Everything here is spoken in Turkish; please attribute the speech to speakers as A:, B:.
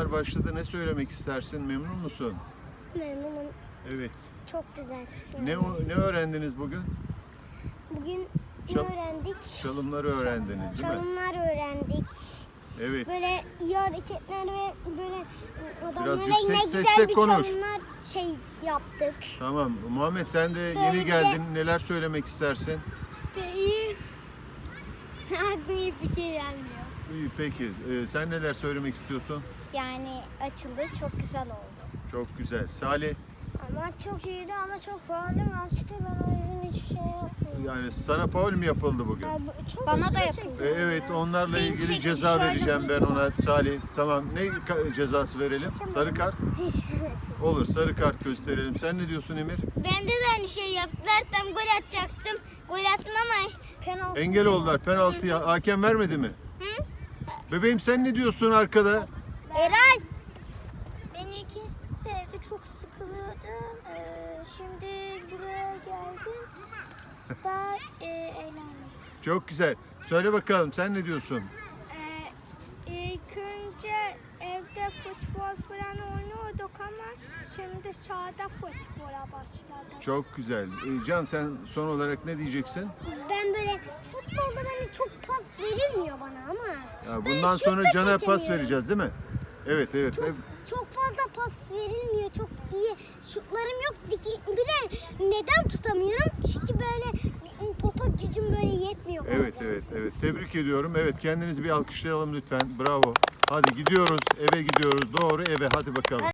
A: sınavlar başladı. Ne söylemek istersin? Memnun musun?
B: Memnunum.
A: Evet.
B: Çok güzel.
A: Ne öğrendiniz bugün?
B: Bugün ne
A: Çal-
B: öğrendik?
A: Çalımları öğrendiniz değil mi?
B: Çalımlar öğrendik.
A: Evet.
B: Böyle iyi hareketler ve böyle adamlara
A: yüksek
B: ne
A: sesle
B: güzel bir
A: konuş.
B: çalımlar yaptık.
A: Tamam. Muhammed sen de
B: Böyle
A: yeni
B: bir de-
A: geldin. Neler söylemek istersin?
B: İyi. Aklıma bir şey gelmiyor.
A: İyi, peki. Sen neler söylemek istiyorsun?
B: Yani açıldı, çok güzel oldu.
A: Çok güzel. Salih,
B: Ama çok iyiydi ama çok pahalı açtı. Ben o yüzden hiçbir şey yapmıyorum.
A: yani sana faul mü yapıldı bugün?
B: Bana da yapıldı.
A: Evet, onlarla
B: Ben
A: ilgili
B: çek-
A: ceza
B: şöyle-
A: vereceğim ben ona. Salih, tamam. Ne cezası verelim? Sarı kart. Olur, sarı kart gösterelim. Sen ne diyorsun Emir?
B: Bende de aynı şey yaptılar. Tam gol atacaktım. Gol attım ama penaltı.
A: Engel oldular. Penaltıya hakem vermedi mi?
B: Hı?
A: Bebeğim sen ne diyorsun arkada?
B: Eray. Ben evde çok sıkılıyordum. Şimdi buraya geldim. Daha eğlendim.
A: Çok güzel. Söyle bakalım sen ne diyorsun?
B: İlk önce evde futbol falan oynuyorduk ama şimdi sahada futbola başladık.
A: Çok güzel. Can sen son olarak ne diyeceksin?
B: Ben böyle futbolda böyle çok pas verilmiyor bana ama.
A: Ya
B: Böyle
A: bundan
B: şut
A: sonra
B: da
A: Can'a pas
B: çekemiyorum.
A: vereceğiz değil mi? Evet evet.
B: Çok fazla pas verilmiyor. Çok iyi şutlarım yok. Bir de neden tutamıyorum? Çünkü böyle topa gücüm böyle yetmiyor bazen.
A: Evet. Tebrik ediyorum. Evet kendinizi bir alkışlayalım lütfen. Bravo. Hadi gidiyoruz. Eve gidiyoruz. Doğru eve. Hadi bakalım.